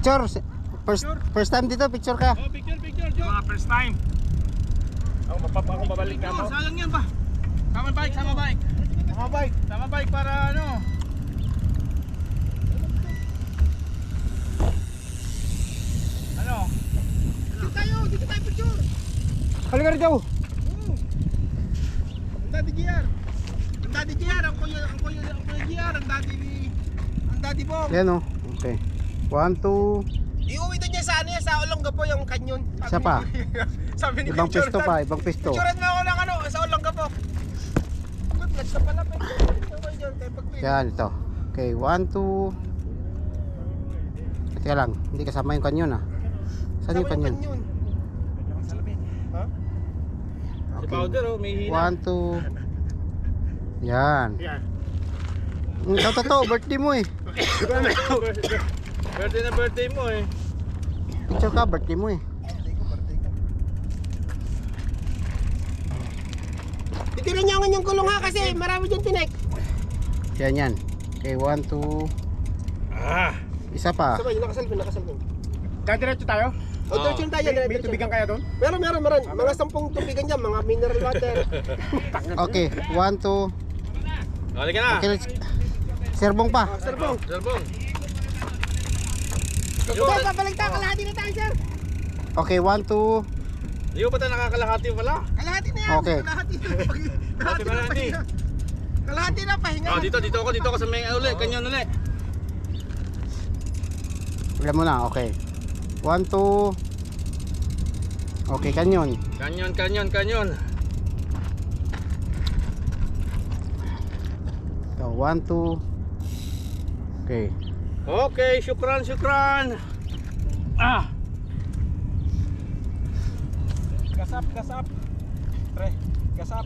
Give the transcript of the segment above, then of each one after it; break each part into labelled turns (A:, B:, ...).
A: Picture. First time dito, picture ka.
B: Oh, picture, Joe. Mga first time. Ako babalik ka mo. Sayang yan pa. Sama bike para ano. Ano? Dito tayo picture.
A: Halika rin, Joe.
B: Ang Daddy GR, ang kuya GR, ang daddy Bong.
A: Yan o. Okay. 1, 2.
B: Iuwi doon niya sa ano yan, sa Olongapo yung kanyon.
A: Isa pa.
B: Sabi ni
A: Ibang
B: Picture
A: pisto pa, ibang pisto.
B: Picturean mo ako ng ano, sa Olongapo. Good luck sa pala.
A: Yan, ito. Okay, 1, 2. Teka lang, hindi kasama yung kanyon ah. Saan yung kanyon?
B: Ha? Si powder oh, may hina.
A: 1, 2. Yan. Ito totoo, birthday mo eh.
B: Birthday mo eh.
A: Picture ka, birthday mo eh.
B: Titirin niyo ang yung kulong ha kasi marami dyan tinek.
A: Yan. Okay, 1, 2. Isa pa.
B: Sabay, nakasalpin.
C: Diretso tayo?
B: O, diretso tayo.
C: May tubigan kaya doon?
B: Meron. Mga 10 tubigan dyan, mga mineral water.
A: Okay, 1, 2.
D: Halika na.
A: Okay, let's... Serbong pa.
B: Sir Bong. Sir, babalik tayo. Kalahati na tayo, sir.
A: Okay, 1, 2.
D: Hindi ko pa tayo nakakalahati pala.
B: Kalahati na yan.
A: Okay.
B: Kalahati na, pahinga.
D: Oh, dito ako sa may kanyon uli.
A: Wala mo na, okay. 1, 2. Okay, kanyon.
D: Kanyon.
A: So, 1, 2. Okay.
D: Okay, syukran.
B: Gasap. Pre, gasap.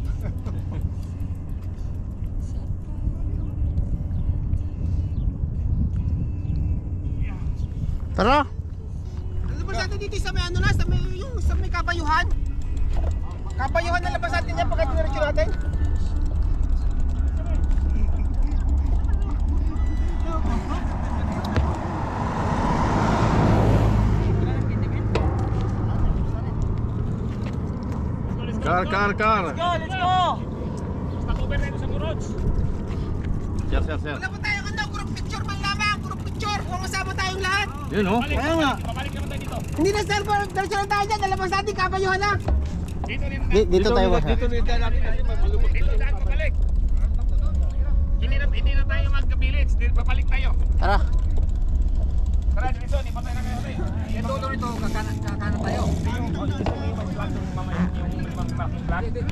A: Tara.
B: Labas natin dito sa may ano na, sa may kabayuhan. Kabayuhan na labas natin yan pagka diretso natin.
D: Car.
B: Let's go!
D: Sir.
B: Wala pa tayong ano, group picture man lamang, group picture. Kung kasama tayong lahat.
D: Yun oh.
A: Kaya nga.
B: Hindi na sir, diretso lang tayo dyan, nalabas natin kabayuhan na.
A: Dito tayo ba?
D: Dito natin kasi malubog.
C: Dito tayo babalik. Hindi na tayo magka-village. Babalik tayo.
A: Tara.
C: Tara, dito. Di pa tayo na kayo.
B: Ito, kakana tayo.
C: Yung mamaya yung